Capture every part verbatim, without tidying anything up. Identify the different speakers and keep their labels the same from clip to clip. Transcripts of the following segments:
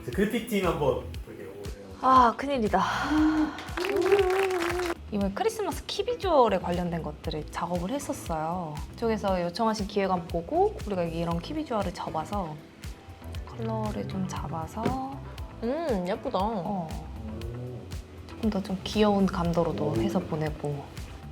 Speaker 1: 그래픽팀 한번 볼게요.
Speaker 2: 아 큰일이다. 이번에 크리스마스 키 비주얼에 관련된 것들을 작업을 했었어요. 이쪽에서 요청하신 기획안 보고 우리가 이런 키 비주얼을 잡아서 컬러를 좀 잡아서
Speaker 3: 음 예쁘다.
Speaker 2: 어, 조금 더 좀 귀여운 감도로도 해서 보내고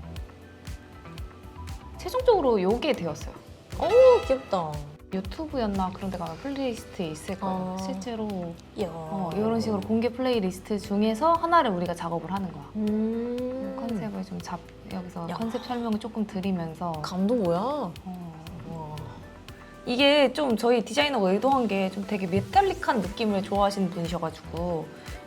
Speaker 2: 최종적으로 요게 되었어요.
Speaker 3: 오 귀엽다.
Speaker 2: 유튜브였나 그런 데 가면 플레이리스트에 있을 거예요.
Speaker 3: 아.
Speaker 2: 실제로
Speaker 3: 이야.
Speaker 2: 어, 이런 식으로 공개 플레이리스트 중에서 하나를 우리가 작업을 하는 거야.
Speaker 3: 음.
Speaker 2: 컨셉을 좀 잡, 여기서
Speaker 3: 야.
Speaker 2: 컨셉 설명을 조금 드리면서
Speaker 3: 감도 뭐야?
Speaker 2: 어,
Speaker 3: 와.
Speaker 2: 이게 좀 저희 디자이너가 의도한 게 좀 되게 메탈릭한 느낌을 좋아하시는 분이셔가지고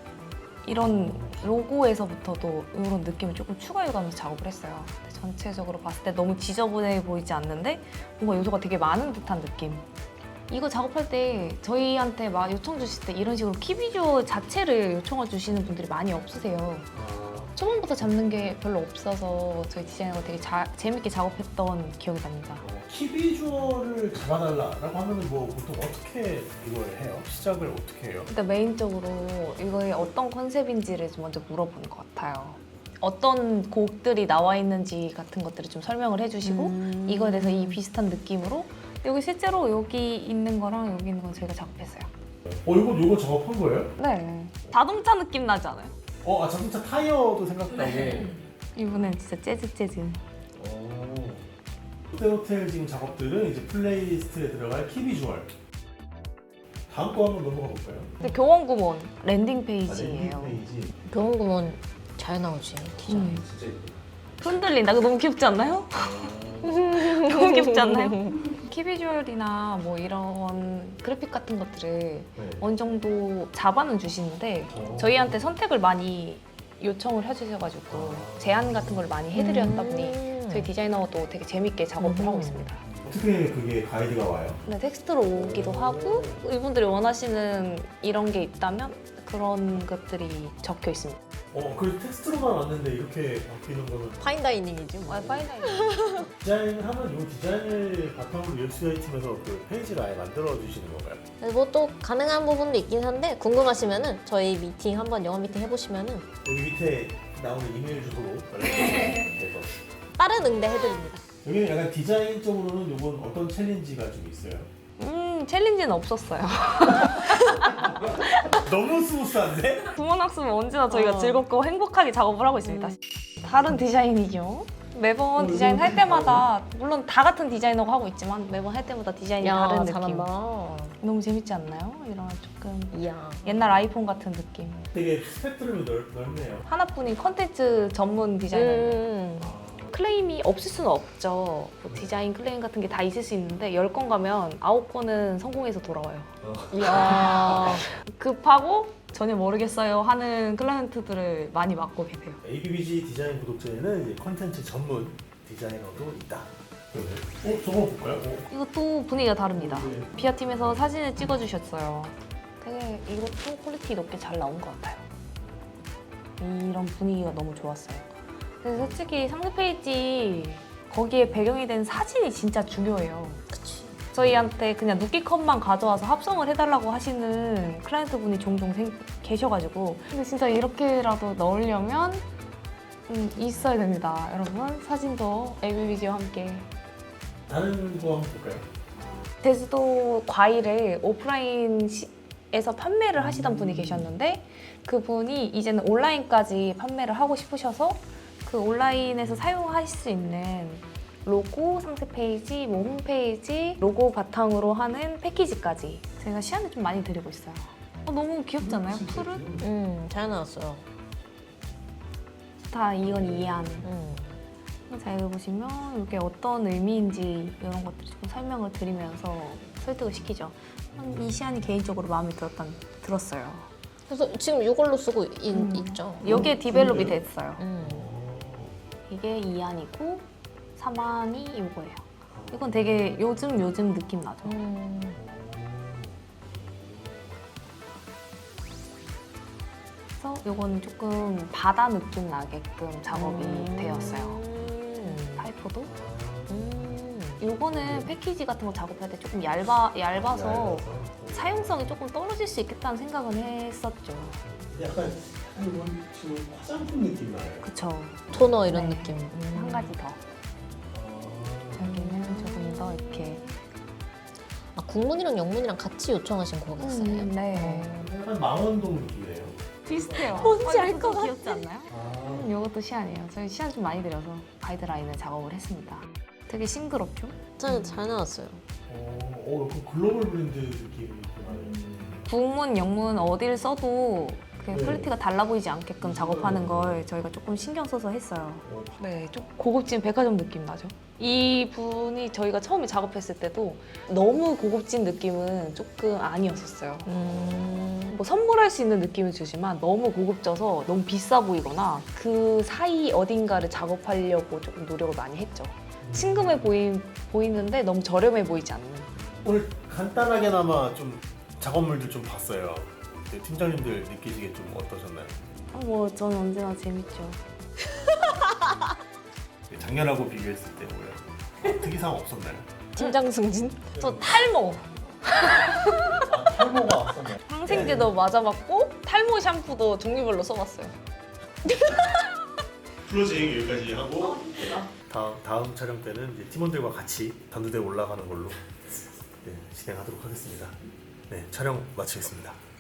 Speaker 2: 이런 로고에서부터도 이런 느낌을 조금 추가해가면서 작업을 했어요. 근데 전체적으로 봤을 때 너무 지저분해 보이지 않는데 뭔가 요소가 되게 많은 듯한 느낌. 이거 작업할 때 저희한테 막 요청 주실 때 이런 식으로 키 비주얼 자체를 요청해 주시는 분들이 많이 없으세요. 초반부터 잡는 게 별로 없어서 저희 디자이너가 되게 자, 재밌게 작업했던 기억이 납니다.
Speaker 1: 키 비주얼을 잡아달라라고 하면은 뭐 보통 어떻게 이걸 해요? 시작을 어떻게 해요?
Speaker 2: 일단 메인적으로 이거의 어떤 컨셉인지를 좀 먼저 물어보는 것 같아요. 어떤 곡들이 나와 있는지 같은 것들을 좀 설명을 해주시고
Speaker 3: 음.
Speaker 2: 이거에 대해서 이 비슷한 느낌으로 여기 실제로 여기 있는 거랑 여기 있는 건 저희가 작업했어요.
Speaker 1: 어 이거 이거 작업한 거예요?
Speaker 2: 네. 자동차 느낌 나지 않아요?
Speaker 1: 어, 아 자동차 타이어도 생각나고.
Speaker 2: 이분은 진짜 재즈 재즈.
Speaker 1: 어. 롯데호텔 지금 작업들은 이제 플레이리스트에 들어갈 키 비주얼. 다음 거 한번 넘어가 볼까요?
Speaker 2: 근데 교원구몬 랜딩
Speaker 1: 아,
Speaker 2: 페이지예요.
Speaker 1: 랜딩 페이지.
Speaker 3: 교원구몬 잘 나오지 디자인.
Speaker 2: 음.
Speaker 1: 진짜 예쁘다.
Speaker 2: 흔들린다. 그거 너무 귀엽지 않나요?
Speaker 1: 어.
Speaker 2: 너무 귀엽지 않나요? 키 비주얼이나 뭐 이런 그래픽 같은 것들을
Speaker 1: 네.
Speaker 2: 어느 정도 잡아는 주시는데
Speaker 1: 어.
Speaker 2: 저희한테 선택을 많이 요청을 해주셔가지고 제안 같은 걸 많이 해드렸다 보니
Speaker 3: 음.
Speaker 2: 저희 디자이너도 되게 재밌게 작업을
Speaker 3: 음.
Speaker 2: 하고 있습니다.
Speaker 1: 어떻게 그게 가이드가 와요?
Speaker 2: 근데 텍스트로 오기도 하고 이분들이 원하시는 이런 게 있다면 그런 것들이 적혀 있습니다.
Speaker 1: 어, 그 텍스트로만 왔는데 이렇게 바뀌는 거는
Speaker 3: 파인다이닝이지 뭐.
Speaker 2: 와이파이나
Speaker 1: 디자인을 하면 이 디자인을 바탕으로 유엑스유아이 팀에서 그 페이지를 아예 만들어 주시는 건가요?
Speaker 3: 뭐 또 가능한 부분도 있긴 한데 궁금하시면은 저희 미팅 한번 영어 미팅 해보시면은
Speaker 1: 여기 밑에 나오는 이메일 주소로 연락주세요.
Speaker 3: 빠른 응대 해드립니다.
Speaker 1: 여기는 약간 디자인적으로는 이건 어떤 챌린지가 좀 있어요?
Speaker 2: 음 챌린지는 없었어요.
Speaker 1: 너무 스무스한데?
Speaker 2: 구몬학습은 언제나 저희가
Speaker 3: 어.
Speaker 2: 즐겁고 행복하게 작업을 하고 있습니다.
Speaker 3: 음.
Speaker 2: 다른 디자인이죠. 매번 디자인 할 때마다 물론 다 같은 디자이너가 하고 있지만 매번 할 때마다 디자인이 다른 느낌.
Speaker 3: 잘한다.
Speaker 2: 너무 재밌지 않나요? 이런 조금
Speaker 3: 이야.
Speaker 2: 옛날 아이폰 같은 느낌.
Speaker 1: 되게 스펙트럼이 넓, 넓네요.
Speaker 2: 하나뿐인 컨텐츠 전문 디자이너예요.
Speaker 3: 음.
Speaker 2: 클레임이 없을 수는 없죠. 뭐 디자인 클레임 같은 게 다 있을 수 있는데 열 건 가면 아홉 건은 성공해서 돌아와요.
Speaker 3: 이야.
Speaker 2: 급하고 전혀 모르겠어요 하는 클라이언트들을 많이 맡고 계세요.
Speaker 1: 에이비비지 디자인 구독자에는 이제 컨텐츠 전문 디자이너도 있다. 어? 저거 볼까요? 어?
Speaker 2: 이것도 분위기가 다릅니다.
Speaker 1: 네.
Speaker 2: 비아팀에서 사진을 찍어주셨어요. 되게 이것도 퀄리티 높게 잘 나온 것 같아요. 이런 분위기가 너무 좋았어요. 그래서 솔직히 상세 페이지 거기에 배경이 된 사진이 진짜 중요해요.
Speaker 3: 그치.
Speaker 2: 저희한테 그냥 누끼컷만 가져와서 합성을 해달라고 하시는 클라이언트 분이 종종 생, 계셔가지고 근데 진짜 이렇게라도 넣으려면 음, 있어야 됩니다. 여러분 사진도 에이비비지와 함께
Speaker 1: 다른 거 한번 볼까요?
Speaker 2: 제주도 과일을 오프라인에서 판매를 하시던 분이 계셨는데 그분이 이제는 온라인까지 판매를 하고 싶으셔서 그 온라인에서 사용하실 수 있는 로고, 상세 페이지, 뭐 홈페이지, 로고 바탕으로 하는 패키지까지 제가 시안을 좀 많이 드리고 있어요. 어, 너무 귀엽지 않아요? 푸른?
Speaker 3: 음, 잘 나왔어요.
Speaker 2: 다 이건 이해하는.
Speaker 3: 음.
Speaker 2: 자, 여기 보시면 이게 어떤 의미인지 이런 것들을 좀 설명을 드리면서 설득을 시키죠. 이 시안이 개인적으로 마음에 들었단, 들었어요.
Speaker 3: 그래서 지금 이걸로 쓰고 있,
Speaker 2: 음.
Speaker 3: 있죠.
Speaker 2: 여기에 디벨롭이 됐어요.
Speaker 3: 음.
Speaker 2: 이게 이 안이고 삼 안이 이거예요. 이건 되게 요즘 요즘 느낌 나죠.
Speaker 3: 음.
Speaker 2: 그래서 이거는 조금 바다 느낌 나게끔 작업이
Speaker 3: 음.
Speaker 2: 되었어요.
Speaker 3: 음.
Speaker 2: 타이포도.
Speaker 3: 음.
Speaker 2: 이 요거는 패키지 같은 거 작업할 때 조금 얇아, 얇아서 사용성이 조금 떨어질 수 있겠다는 생각은 했었죠.
Speaker 1: 약간 약간 이건 지금 화장품 느낌 나요.
Speaker 2: 그쵸.
Speaker 3: 토너 이런
Speaker 2: 네.
Speaker 3: 느낌.
Speaker 2: 한 가지 더.
Speaker 1: 아,
Speaker 2: 여기는 조금 더 이렇게.
Speaker 3: 아, 국문이랑 영문이랑 같이 요청하신 거겠어요?
Speaker 2: 음, 네.
Speaker 1: 약간 망원동 느낌이에요.
Speaker 2: 비슷해요.
Speaker 3: 뭔지 알
Speaker 2: 이것도
Speaker 3: 것 같아.
Speaker 2: 귀엽지 않나요?
Speaker 1: 아,
Speaker 2: 음, 이것도 시안이에요. 저희 시안 좀 많이 들여서 가이드라인을 작업을 했습니다. 되게 싱그럽죠?
Speaker 3: 잘, 잘 나왔어요.
Speaker 1: 어, 어, 약간 글로벌 브랜드 느낌이 나요.
Speaker 2: 국문, 영문 어디를 써도 그
Speaker 1: 네.
Speaker 2: 퀄리티가 달라 보이지 않게끔 작업하는 걸 저희가 조금 신경 써서 했어요.
Speaker 1: 어,
Speaker 2: 네, 좀 고급진 백화점 느낌 나죠? 이 분이 저희가 처음에 작업했을 때도 너무 고급진 느낌은 조금 아니었었어요.
Speaker 3: 음...
Speaker 2: 뭐 선물할 수 있는 느낌을 주지만 너무 고급져서 너무 비싸 보이거나 그 사이 어딘가를 작업하려고 조금 노력을 많이 했죠. 친근해 보이, 보이는데 너무 저렴해 보이지 않는.
Speaker 1: 오늘 간단하게나마 좀 작업물들 좀 봤어요. 네, 팀장님들 느끼시기에 좀 어떠셨나요?
Speaker 2: 아, 뭐 저는 언제나 재밌죠.
Speaker 1: 네, 작년하고 비교했을 때 뭐야? 특이사항 없었나요?
Speaker 3: 팀장 승진?
Speaker 2: 저 탈모
Speaker 1: 아, 탈모가 없었나요?
Speaker 2: 항생제도 맞아봤고 탈모 샴푸도 종류별로 써봤어요.
Speaker 1: 플로징 여기까지 하고 다음, 다음 촬영 때는 이제 팀원들과 같이 단두대 올라가는 걸로 네, 진행하도록 하겠습니다. 네, 촬영 마치겠습니다.